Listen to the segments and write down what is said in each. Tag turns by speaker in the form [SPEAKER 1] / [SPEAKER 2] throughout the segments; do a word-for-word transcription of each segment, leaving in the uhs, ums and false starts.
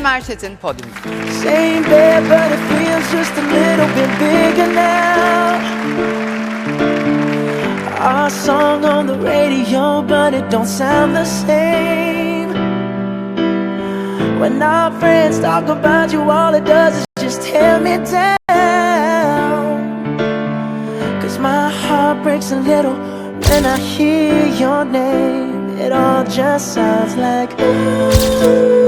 [SPEAKER 1] Yeşim Erçetin podyumda.
[SPEAKER 2] Same bed, but it feels just a little bit bigger now. Our song on the radio, but it don't sound the same. When our friends talk about you, all it does is just tear me down. Cause my heart breaks a little when I hear your name. It all just sounds like ooh.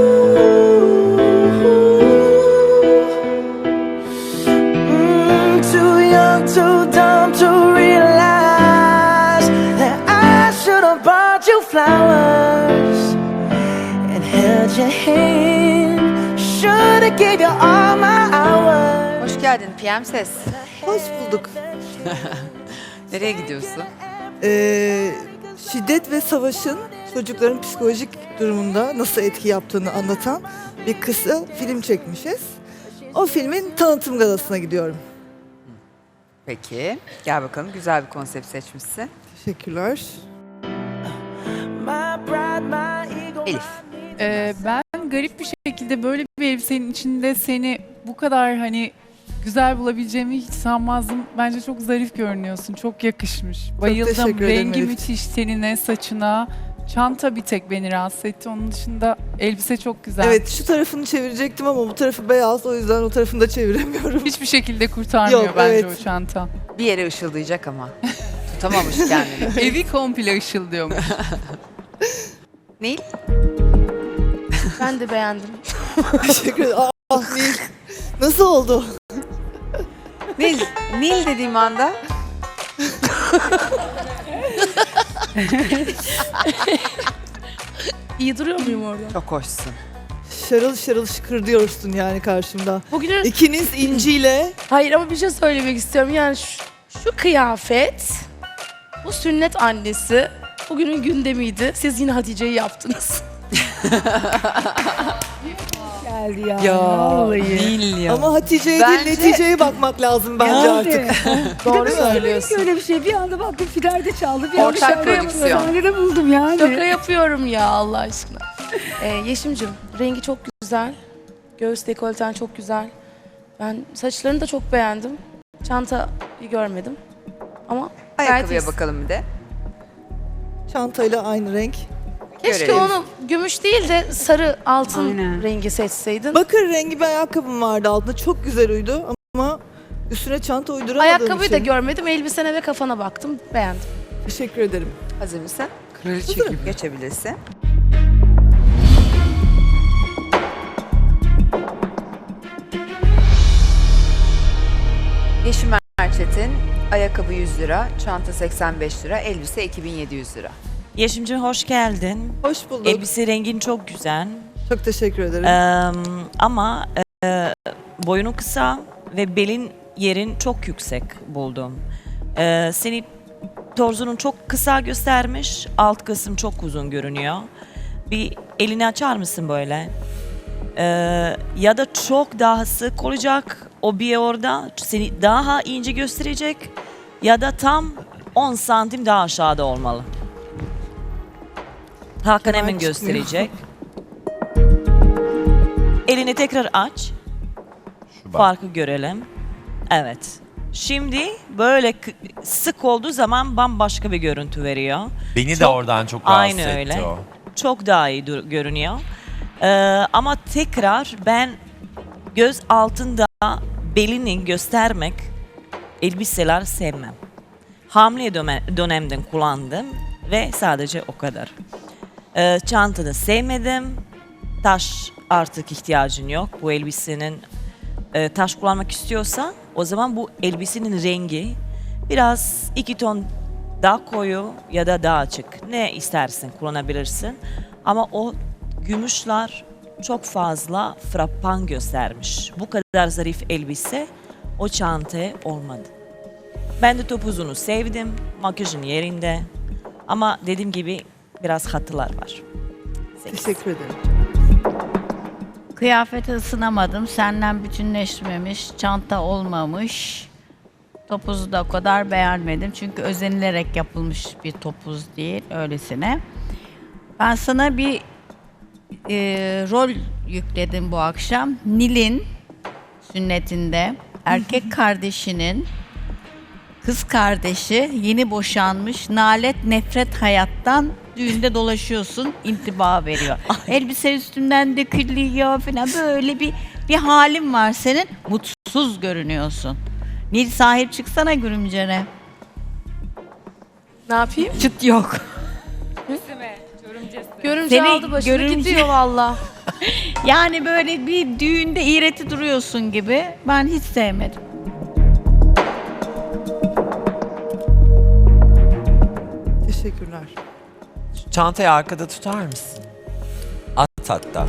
[SPEAKER 2] Too dumb to realize that I should have bought you flowers and held your hand. Should have gave you all my hours.
[SPEAKER 1] Hoş geldin P M Ses.
[SPEAKER 3] Hoş bulduk.
[SPEAKER 1] Nereye gidiyorsun?
[SPEAKER 3] Ee, şiddet ve savaşın çocukların psikolojik durumunda nasıl etki yaptığını anlatan bir kısa film çekmişiz. O filmin tanıtım galasına gidiyorum.
[SPEAKER 1] Peki. Gel bakalım. Güzel bir konsept seçmişsin.
[SPEAKER 3] Teşekkürler.
[SPEAKER 1] Elif.
[SPEAKER 4] Ee, ben garip bir şekilde böyle bir elbisenin içinde seni bu kadar hani güzel bulabileceğimi hiç sanmazdım. Bence çok zarif görünüyorsun. Çok yakışmış. Bayıldım.
[SPEAKER 3] teşekkür ederim
[SPEAKER 4] Rengi
[SPEAKER 3] Elif.
[SPEAKER 4] müthiş, tenine, saçına. Çanta bir tek beni rahatsız etti. Onun dışında elbise çok güzel.
[SPEAKER 3] Evet, şu tarafını çevirecektim ama bu tarafı beyaz, o yüzden o tarafını da çeviremiyorum.
[SPEAKER 4] Hiçbir şekilde kurtarmıyor
[SPEAKER 3] Yok,
[SPEAKER 4] bence
[SPEAKER 3] evet.
[SPEAKER 4] o çanta.
[SPEAKER 1] Bir yere ışıldayacak ama. Tutamamış kendini.
[SPEAKER 4] Evi komple ışıldıyormuş.
[SPEAKER 1] Nil?
[SPEAKER 5] Ben de beğendim.
[SPEAKER 3] Teşekkür ederim. Ah Nil. Nasıl oldu?
[SPEAKER 1] Nil. Nil dediğim anda.
[SPEAKER 5] İyi duruyor muyum orada?
[SPEAKER 1] Çok hoşsun.
[SPEAKER 3] Şarıl şarıl şıkır diyorsun yani karşımda.
[SPEAKER 5] Bugünün...
[SPEAKER 3] İkiniz inciyle.
[SPEAKER 5] Hayır ama bir şey söylemek istiyorum. Yani şu, şu kıyafet, bu sünnet annesi bugünün gündemiydi. Siz yine Hatice'yi yaptınız. Geldi ya.
[SPEAKER 1] Ya
[SPEAKER 5] vallahi.
[SPEAKER 1] Nil ya.
[SPEAKER 3] Ama Hatice'ye
[SPEAKER 1] Bence-
[SPEAKER 3] değil neticeye bakmak lazım bence artık.
[SPEAKER 5] Doğru söylüyorsun.
[SPEAKER 6] Öyle bir şey. Bir anda baktım Fidel'de çaldı. Bir anda
[SPEAKER 1] Ortak
[SPEAKER 6] şarkı
[SPEAKER 1] prodüksiyon.
[SPEAKER 6] yapıyorum. Sahnede buldum yani.
[SPEAKER 5] Şaka yapıyorum ya Allah aşkına. Ee, Yeşim'cim rengi çok güzel. Göğüs dekolten çok güzel. Ben saçlarını da çok beğendim. Çantayı görmedim. Ama gayet
[SPEAKER 1] Ayakkabıya
[SPEAKER 5] iyisin.
[SPEAKER 1] bakalım bir de.
[SPEAKER 3] Çantayla aynı renk.
[SPEAKER 5] Keşke
[SPEAKER 1] Görelim.
[SPEAKER 5] onu gümüş değil de sarı altın
[SPEAKER 6] Aynen.
[SPEAKER 5] rengi seçseydin.
[SPEAKER 3] Bakır rengi bir ayakkabım vardı altında. Çok güzel uydu ama üstüne çanta uyduramadığım
[SPEAKER 5] Ayakkabıyı da
[SPEAKER 3] için.
[SPEAKER 5] görmedim. Elbisene ve kafana baktım. Beğendim.
[SPEAKER 3] Teşekkür ederim.
[SPEAKER 1] Hazır mısın? Kraliçe gibi. Geçebilirsin. Yeşim Erçetin, ayakkabı yüz lira, çanta seksen beş lira, elbise iki bin yedi yüz lira.
[SPEAKER 7] Yeşimciğim hoş geldin.
[SPEAKER 3] Hoş bulduk.
[SPEAKER 7] Elbise rengin çok güzel.
[SPEAKER 3] Çok teşekkür ederim.
[SPEAKER 7] Ee, ama e, boyunu kısa ve belin yerin çok yüksek buldum. Ee, seni torzunun çok kısa göstermiş, alt kısım çok uzun görünüyor. Bir elini açar mısın böyle? Ee, ya da çok daha sık olacak o bir orada seni daha ince gösterecek ya da tam on santim daha aşağıda olmalı. Hakan
[SPEAKER 3] Kemal
[SPEAKER 7] hemen
[SPEAKER 3] çıkmıyor.
[SPEAKER 7] gösterecek. Elini tekrar aç. Farkı görelim. Evet. Şimdi böyle k- sık olduğu zaman bambaşka bir görüntü veriyor.
[SPEAKER 8] Beni de
[SPEAKER 7] Çok-
[SPEAKER 8] oradan çok rahatsız
[SPEAKER 7] Aynı
[SPEAKER 8] etti
[SPEAKER 7] öyle.
[SPEAKER 8] o.
[SPEAKER 7] Çok daha iyi dur- görünüyor. Ee, ama tekrar ben göz altında belini göstermek elbiseler sevmem. Hamile döme- dönemden kullandım ve sadece o kadar. Ee, çantanı sevmedim. Taş artık ihtiyacın yok. Bu elbisenin e, taş kullanmak istiyorsa o zaman bu elbisenin rengi biraz iki ton daha koyu ya da daha açık. Ne istersin kullanabilirsin. Ama o gümüşler çok fazla frappan göstermiş. Bu kadar zarif elbise o çantaya olmadı. Ben de topuzunu sevdim. Makyajın yerinde. Ama dediğim gibi biraz hatılar var. Sekiz.
[SPEAKER 3] Teşekkür ederim.
[SPEAKER 6] Kıyafete ısınamadım. Senden bütünleşmemiş. Çanta olmamış. Topuzu da o kadar beğenmedim. Çünkü özenilerek yapılmış bir topuz değil. Öylesine. Ben sana bir e, rol yükledim bu akşam. Nil'in sünnetinde erkek kardeşinin kız kardeşi yeni boşanmış, nalet nefret hayattan düğünde dolaşıyorsun, intiba veriyor. Elbise üstünden dökülüyor falan, böyle bir bir halin var senin. Mutsuz görünüyorsun. Nil, sahip çıksana görümcene.
[SPEAKER 5] Ne yapayım?
[SPEAKER 6] Çıt yok.
[SPEAKER 5] Görümce
[SPEAKER 6] Seni
[SPEAKER 5] aldı başını
[SPEAKER 6] görümce-
[SPEAKER 5] gidiyor valla.
[SPEAKER 6] Yani böyle bir düğünde iğreti duruyorsun gibi. Ben hiç sevmedim.
[SPEAKER 3] Teşekkürler.
[SPEAKER 8] Çantayı arkada tutar mısın? At hatta.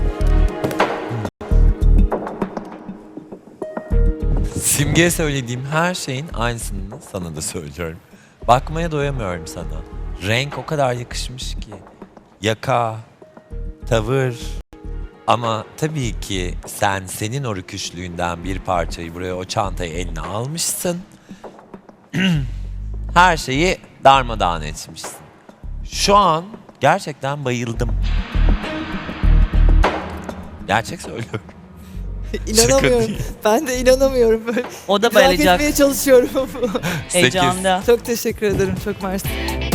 [SPEAKER 8] Simge'ye söylediğim her şeyin aynısını sana da söylüyorum. Bakmaya doyamıyorum sana. Renk o kadar yakışmış ki. Yaka, tavır. Ama tabii ki sen senin o rüküşlüğünden bir parçayı buraya, o çantayı eline almışsın. Her şeyi darmadağın etmişsin. Şu an gerçekten bayıldım. Gerçek söylüyorum.
[SPEAKER 3] İnanamıyorum.
[SPEAKER 8] değil.
[SPEAKER 3] Ben de inanamıyorum. Böyle
[SPEAKER 7] O da
[SPEAKER 3] idrak
[SPEAKER 7] bayılacak
[SPEAKER 3] etmeye çalışıyorum.
[SPEAKER 8] Sekiz.
[SPEAKER 7] heyecanda.
[SPEAKER 3] Çok teşekkür ederim. Çok mersi.